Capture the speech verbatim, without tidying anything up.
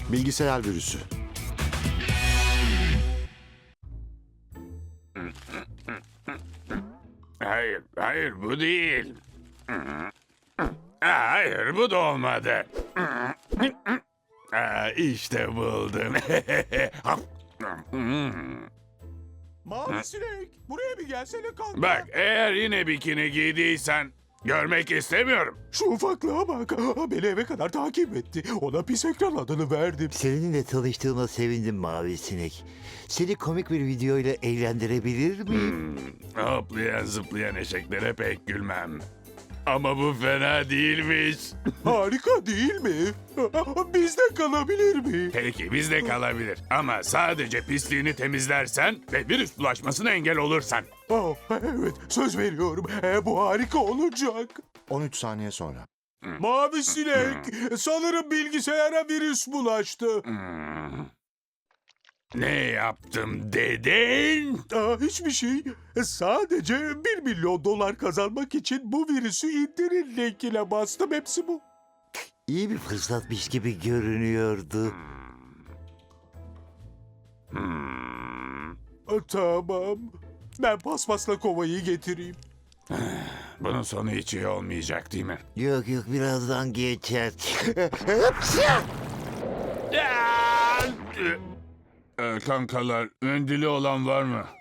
Bilgisayar virüsü. Hayır, hayır bu değil. Aa, hayır bu da olmadı. Aa, işte buldum. Mavi sinek, buraya bir gelsene kanka. Bak eğer yine bikini giydiysen görmek istemiyorum. Şu ufaklığa bak. Aa, beni eve kadar takip etti. Ona pis ekran adını verdim. Seninle tanıştığıma sevindim Mavi Sinek. Seni komik bir video ile eğlendirebilir miyim? Hmm, hoplayan zıplayan eşeklere pek gülmem. Ama bu fena değilmiş. Harika değil mi? Aa, bizde kalabilir mi? Peki bizde kalabilir. Ama sadece pisliğini temizlersen ve virüs bulaşmasına engel olursan. Aa, evet, söz veriyorum. Ee, bu harika olacak. on üç saniye sonra. Mavi sinek, sanırım bilgisayara virüs bulaştı. Hmm. Ne yaptım dedin? Aa, hiçbir şey. Sadece bir milyon dolar kazanmak için bu virüsü indirin linkine bastım. Hepsi bu. İyi bir fırsatmış gibi görünüyordu. Hmm. Aa, tamam. Ben paspasla kovayı getireyim. Bunun sonu hiç iyi olmayacak değil mi? Yok yok birazdan geçer. Ee, kankalar, mendili olan var mı?